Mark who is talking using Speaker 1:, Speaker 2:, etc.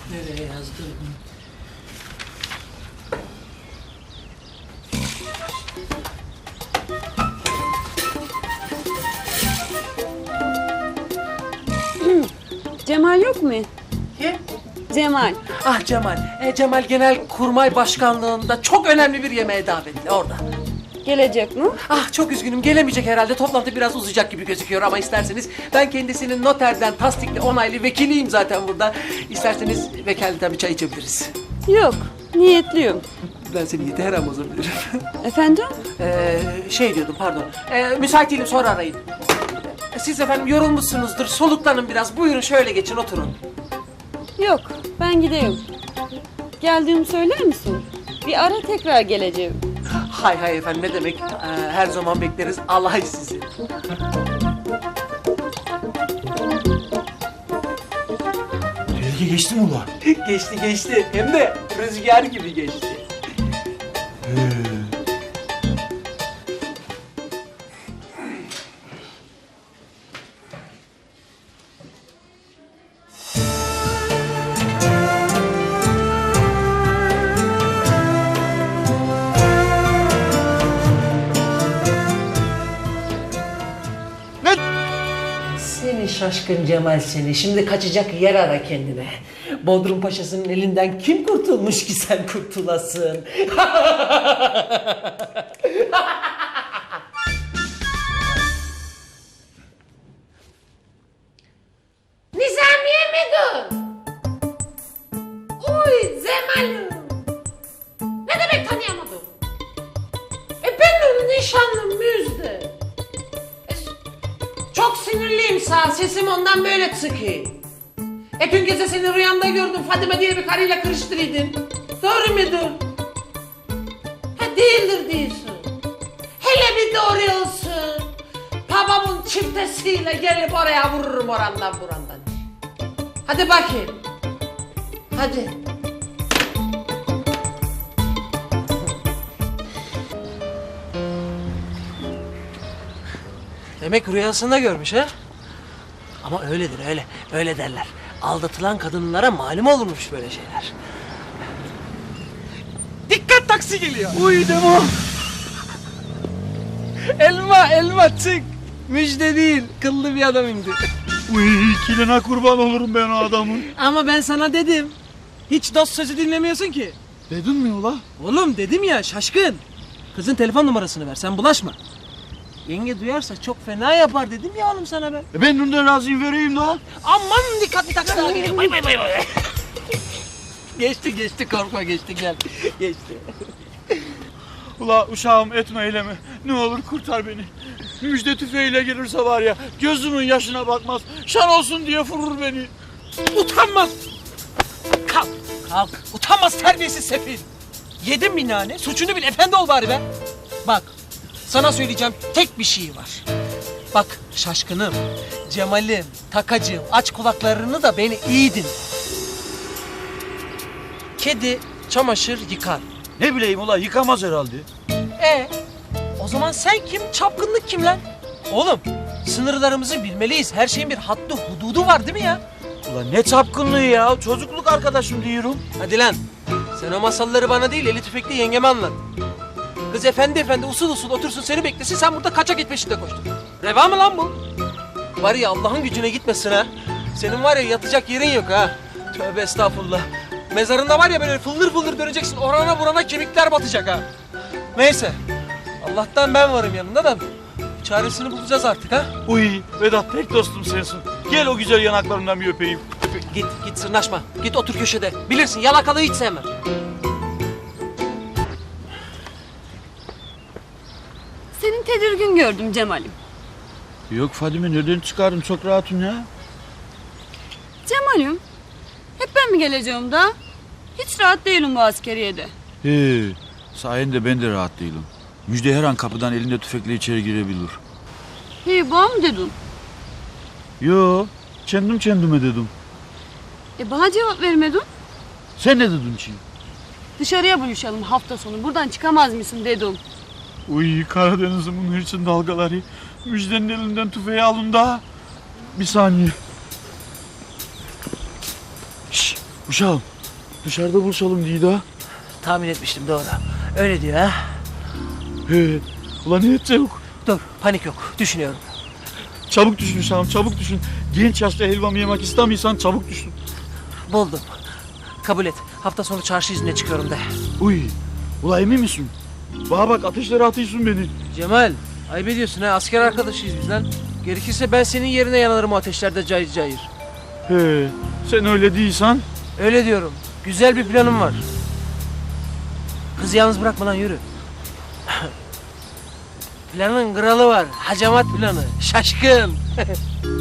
Speaker 1: Nereye yazdım?
Speaker 2: Cemal yok mu?
Speaker 1: Kim?
Speaker 2: Cemal.
Speaker 1: Ah Cemal. Cemal Genelkurmay Başkanlığı'nda çok önemli bir yemeğe davetli orada.
Speaker 2: Gelecek mi?
Speaker 1: Ah çok üzgünüm gelemeyecek herhalde. Toplantı biraz uzayacak gibi gözüküyor ama isterseniz ben kendisinin noterden tasdikli onaylı vekiliyim zaten burada. İsterseniz vekaleten bir çay içebiliriz.
Speaker 2: Yok. Niyetliyim.
Speaker 1: Ben seni yeter ama bozabilirim.
Speaker 2: Efendim?
Speaker 1: Şey diyordum pardon. Müsait değilim sonra arayın. Siz efendim yorulmuşsunuzdur. Soluklanın biraz. Buyurun şöyle geçin oturun.
Speaker 2: Yok. Ben gideyim. Geldiğimi söyler misin? Bir ara tekrar geleceğim.
Speaker 1: Hay hay efendim ne demek. Her zaman bekleriz. Allah sizi.
Speaker 3: Tehlike geçti mi ulan?
Speaker 1: Geçti geçti. Hem de rüzgar gibi geçti. Seni şaşkın Cemal seni. Şimdi kaçacak yer ara kendine. Bodrum Paşası'nın elinden kim kurtulmuş ki sen kurtulasın?
Speaker 4: Nizamiye mi dur? Uy Cemal'im. Ne demek tanıyamadım? Benim nişanlım Müjde. Çok sinirliyim sağ sesim ondan böyle çıkıyor. Dün gece seni rüyamda gördüm Fadime diye bir karıyla karıştırıydın. Doğru mudur? Ha değildir diyorsun. Hele bir doğru olsun. Babamın çiftesiyle gelip oraya vururum orandan burandan. Hadi bakayım. Hadi.
Speaker 1: Demek rüyasında görmüş ha? Ama öyledir öyle. Öyle derler. Aldatılan kadınlara malum olurmuş böyle şeyler. Dikkat taksi geliyor.
Speaker 3: Uy Demo.
Speaker 1: Elma çık. Müjde değil. Kıllı bir adam indi.
Speaker 3: Uy kiline kurban olurum ben o adamın.
Speaker 1: Ama ben sana dedim. Hiç dost sözü dinlemiyorsun ki.
Speaker 3: Dedin mi ula?
Speaker 1: Oğlum dedim ya şaşkın. Kızın telefon numarasını ver sen bulaşma. Yenge duyarsa çok fena yapar dedim ya oğlum sana ben.
Speaker 3: Ben bundan razıyım vereyim lan.
Speaker 1: Aman dikkatli taksi daha geliyor. Bay bay bay bay. Geçti korkma geçti gel. Geçti.
Speaker 3: Ula uşağım etme eyleme. Ne olur kurtar beni. Müjde tüfeğiyle gelirse var ya gözümün yaşına bakmaz. Şan olsun diye vurur beni.
Speaker 1: Utanmaz. Kalk. Utanmaz terbiyesiz sefil. Yedin mi nane? Suçunu bil efendi ol bari be. Bak sana söyleyeceğim tek bir şey var. Bak şaşkınım, Cemal'im, takacığım aç kulaklarını da beni iyi dinle. Kedi çamaşır yıkar.
Speaker 3: Ne bileyim ula yıkamaz herhalde.
Speaker 1: O zaman sen kim? Çapkınlık kim lan? Oğlum sınırlarımızı bilmeliyiz. Her şeyin bir haddi hududu var değil mi ya?
Speaker 3: Ula ne çapkınlığı ya. Çocukluk arkadaşım diyorum.
Speaker 1: Hadi lan. Sen o masalları bana değil eli tüfekli yengeme anlat. Kız efendi usul usul otursun seni beklesin sen burada kaçak git peşinde koştun. Reva mı lan bu? Var ya Allah'ın gücüne gitmesin ha. Senin var ya yatacak yerin yok ha. Tövbe estağfurullah. Mezarında var ya böyle fıldır fıldır döneceksin orana burana kemikler batacak ha. Neyse. Allah'tan ben varım yanında da çaresini bulacağız artık ha.
Speaker 3: Uy Vedat tek dostum sensin. Gel o güzel yanaklarından bir öpeyim.
Speaker 1: Git sırnaşma. Git otur köşede. Bilirsin yalakalığı hiç sevmem.
Speaker 2: Senin tedirgin gördüm Cemal'im.
Speaker 3: Yok Fadime nereden çıkardım çok rahatım ya.
Speaker 2: Cemal'im. Hep ben mi geleceğim da? Hiç rahat değilim bu askeriyede.
Speaker 3: He, sayende ben de rahat değilim. Müjde her an kapıdan elinde tüfekle içeri girebilir.
Speaker 2: Hey bana mı dedin?
Speaker 3: Yo, kendim kendime dedim.
Speaker 2: Bana cevap vermedin.
Speaker 3: Sen ne dedin ki?
Speaker 2: Dışarıya buluşalım hafta sonu. Buradan çıkamaz mısın dedim.
Speaker 3: Uy Karadeniz'imin hırçın dalgaları. Müjdenin elinden tüfeği alın da. Bir saniye. Şşş, Uşağım dışarıda buluşalım diye daha.
Speaker 1: Tahmin etmiştim, doğru. Öyle diyor ha.
Speaker 3: He. Ulan ne edecek?
Speaker 1: Dur, panik yok. Düşünüyorum.
Speaker 3: Çabuk düşün uşağım, çabuk düşün. Genç yaşta helvamı yemek istemiyorsan çabuk düşün.
Speaker 1: Buldum. Kabul et. Hafta sonu çarşı izine çıkıyorum de.
Speaker 3: Uy. Ula emin misin? Bana bak ateşlere atıyorsun beni.
Speaker 1: Cemal, ayıp ediyorsun ha. Asker arkadaşıyız biz lan. Gerekirse ben senin yerine yanarım o ateşlerde cayır cayır.
Speaker 3: He. Sen öyle değilsen.
Speaker 1: Öyle diyorum. Güzel bir planım var. Kızı yalnız bırakma lan, yürü. Planın kralı var. Hacamat planı. Şaşkın.